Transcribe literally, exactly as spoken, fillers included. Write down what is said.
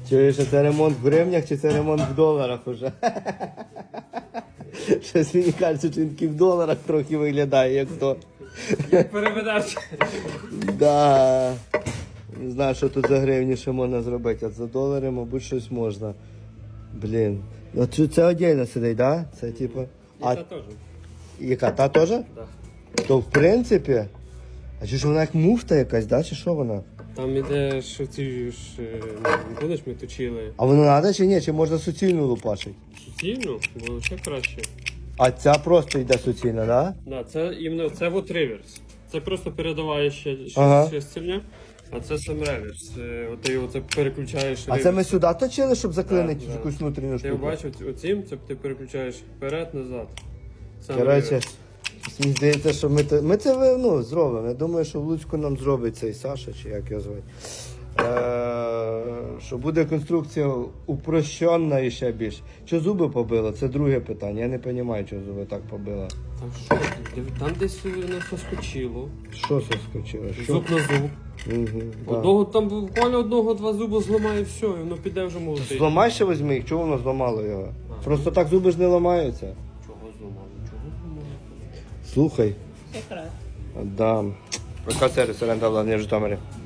Чуєш, а це ремонт в гривнях чи це ремонт в доларах уже? Щось мені кажеться, що він такий в доларах трохи виглядає, як то. Як переведеш? Да. Не знаю, що тут за гривні ще можна зробити, а за долари, мабуть, щось можна. Блін. Ну, це, це отдельно сидить, да? Це типу. І А це теж. яка? Та теж? Да. То в принципі. А чи ж вона як муфта якась, да? Чи що вона? Там іде ж ці ж, е, будеш ми точили А воно треба чи ні? Чи можна суцільну лупашити? суцільну, було ще краще. А ця просто йде суцільна, да? Да, це іменно це от реверс. Це просто передаває ще, ще, Ага. ще сильня, а це сам реверс. Е, От ти його це переключаєш. А це реверс. ми сюди точили, щоб заклинити Да, да. якусь внутрішню Ти штуку? бачив оцім, це ти переключаєш вперед-назад. Сам Коротше, реверс. мені здається, що ми, те- ми це ну, зробимо. Я думаю, що в Луцьку нам зробить цей Саша, чи як його звати. Е, що буде конструкція упрощена і ще більше. Чи зуби побило? Це друге питання. Я не розумію, чого зуби так побило. Там що? Там десь воно соскочило. Що це скочило? Що? Зуб на зуб. Угу, да. Одного там буквально одного-два зуби зламає і все, і воно піде вже молотить. Зламай ще візьми їх, чого воно зламало його? А. Просто так зуби ж не ламаються. Чого зламало? Чого зламало? Слухай. Якраз. Да. Яка це ресторан в Житомирі?